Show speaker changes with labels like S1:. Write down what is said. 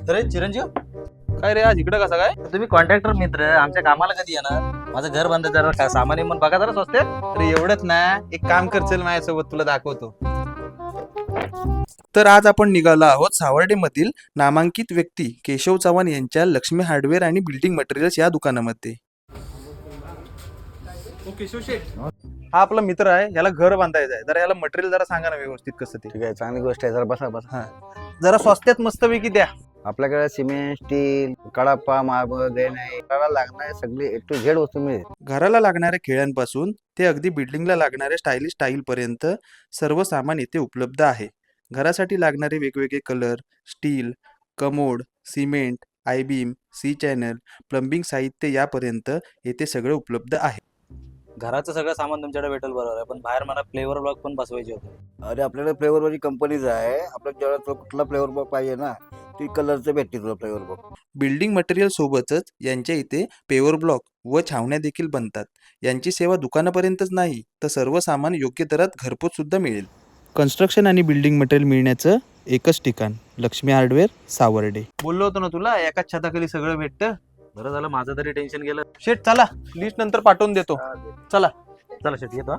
S1: अरे चिरंजीव,
S2: काय रे आज इकडे कसा काय?
S1: तुम्ही कॉन्ट्रॅक्टर मित्र आमच्या कामाला कधी येणार? माझं घर बंद जरा काय सामान मग बघा जरा स्वस्त.
S2: अरे एवढंच ना, एक काम कर चल माझ्यासोबत तुला दाखवतो. तर आज आपण निघालो आहोत सावर्डेमधील नामांकित व्यक्ती केशव चव्हाण यांच्या लक्ष्मी हार्डवेअर आणि बिल्डिंग मटेरियल्स या दुकानामध्ये. केशव शेठ हा आपला मित्र आहे, याला घर बांधायचं आहे. जरा याला मटेरियल जरा सांगा ना व्यवस्थित कसं ते.
S3: ठीक आहे, चांगली गोष्ट आहे. जरा बसा बसा.
S2: हा जरा स्वस्त्यात मस्तपैकी द्या.
S3: आपल्याकडे cement, steel, Kadapa, marble, granite, त्याला लागणारे सगळे ए टू झेड वस्तू मिळेल.
S2: घराला लागणाऱ्या खेळ्यांपासून ते अगदी बिल्डिंगला लागणाऱ्या स्टायलिश टाईल पर्यंत सर्व सामान येथे उपलब्ध आहे. घरासाठी लागणारे वेगवेगळे colour, steel, commode, cement, I beam, C channel, plumbing साहित्य यापर्यंत येथे सगळे उपलब्ध आहे.
S1: घराचं सगळं सामान तुमच्याकडे भेटेल बरोबर आहे, पण बाहेर मला फ्लेवर ब्लॉक पण बसवायचे होते.
S3: अरे आपल्याकडे फ्लेवर वाली कंपनीज आहे. आपल्याला जेव्हा तुला कुठला फ्लेवर बॉक पाहिजे ना, ती कलरचं भेटते तुला फ्लेवर बॉक.
S2: बिल्डिंग मटेरियल सोबतच यांच्या इथे पेवर ब्लॉक व छावण्या देखील बनतात. यांची सेवा दुकानापर्यंतच नाही तर सर्व सामान योग्य दरात घरपोच सुद्धा मिळेल. कन्स्ट्रक्शन आणि बिल्डिंग मटेरियल मिळण्याचं एकच ठिकाण लक्ष्मी हार्डवेअर सावर्डे. बोललो होतो ना तुला, एकाच छताखाली सगळं भेटतं.
S1: बरं झालं, माझं तरी टेन्शन गेलं.
S2: शेट चला, लिस्ट नंतर पाठवून देतो. चला.
S1: चला शेट येतो.